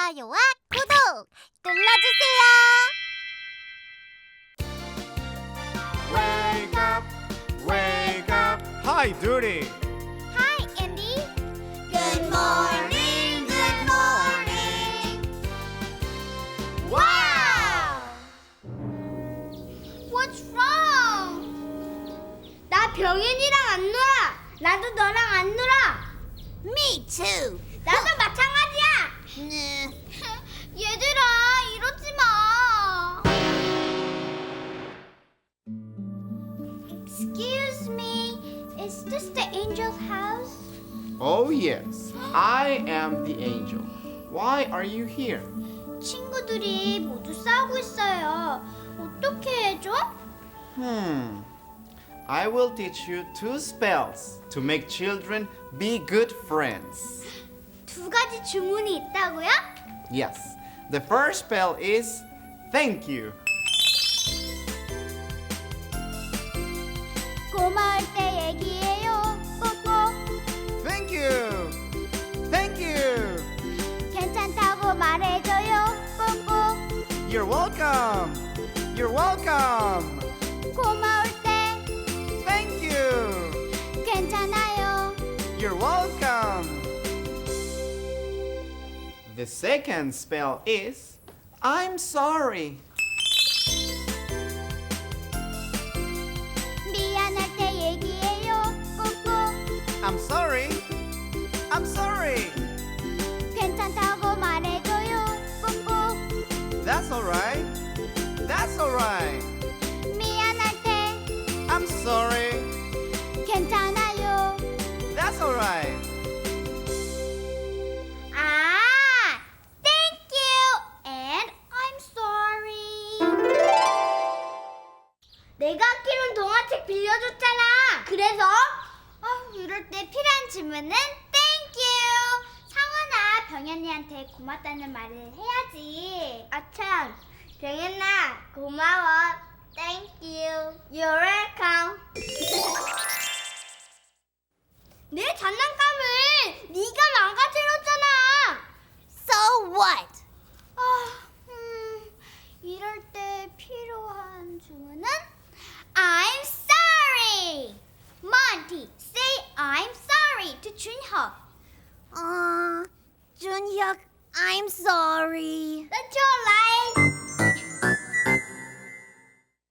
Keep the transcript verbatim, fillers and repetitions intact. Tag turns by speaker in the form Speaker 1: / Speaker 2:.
Speaker 1: 좋아요와 구독 눌러주세요.
Speaker 2: Wake up, wake up. Hi, Duty.
Speaker 1: Hi, Andy. Good morning, good morning. Wow! What's wrong? 나 병현이랑 안 놀아. 나도 너랑 안 놀아. Me too. 나도 마찬가지야. 얘들아, 이러지 마. Excuse me, is this the angel's house?
Speaker 2: Oh, yes. I am the angel. Why are you here?
Speaker 1: 친구들이 모두 싸우고 있어요. 어떻게 해줘?
Speaker 2: Hmm. I will teach you two spells to make children be good friends.
Speaker 1: 두 가지 주문이 있다고요?
Speaker 2: Yes. The first spell is thank you.
Speaker 1: 고마울 때 얘기해요. 꼭꼭.
Speaker 2: Thank you. Thank you.
Speaker 1: 괜찮다고 말해줘요. 꼭꼭.
Speaker 2: You're welcome. You're welcome.
Speaker 1: 고마울 때
Speaker 2: Thank you.
Speaker 1: 괜찮아요.
Speaker 2: You're welcome. The second spell is I'm sorry.
Speaker 1: 미안할 때 얘기해요. 꼭꼭.
Speaker 2: I'm sorry. I'm sorry.
Speaker 1: 괜찮다고 말해줘요. 꼭꼭.
Speaker 2: That's all right. That's all right.
Speaker 1: 미안할 때
Speaker 2: I'm sorry.
Speaker 1: 괜찮아요.
Speaker 2: That's all right.
Speaker 1: 아, thank you and I'm sorry. 내가 아끼는 동화책 빌려줬잖아. 그래서 아, 이럴 때 필요한 질문은 thank you. 상원아, 병현이한테 고맙다는 말을 해야지. 아참, 병현아, 고마워. Thank you. You're welcome. 내 장난감을 네가 망가뜨렸잖아. So what? 아, 음, 이럴 때 필요한 주문은 I'm sorry. Monty, say I'm sorry to 준혁. 어, 준혁, I'm sorry.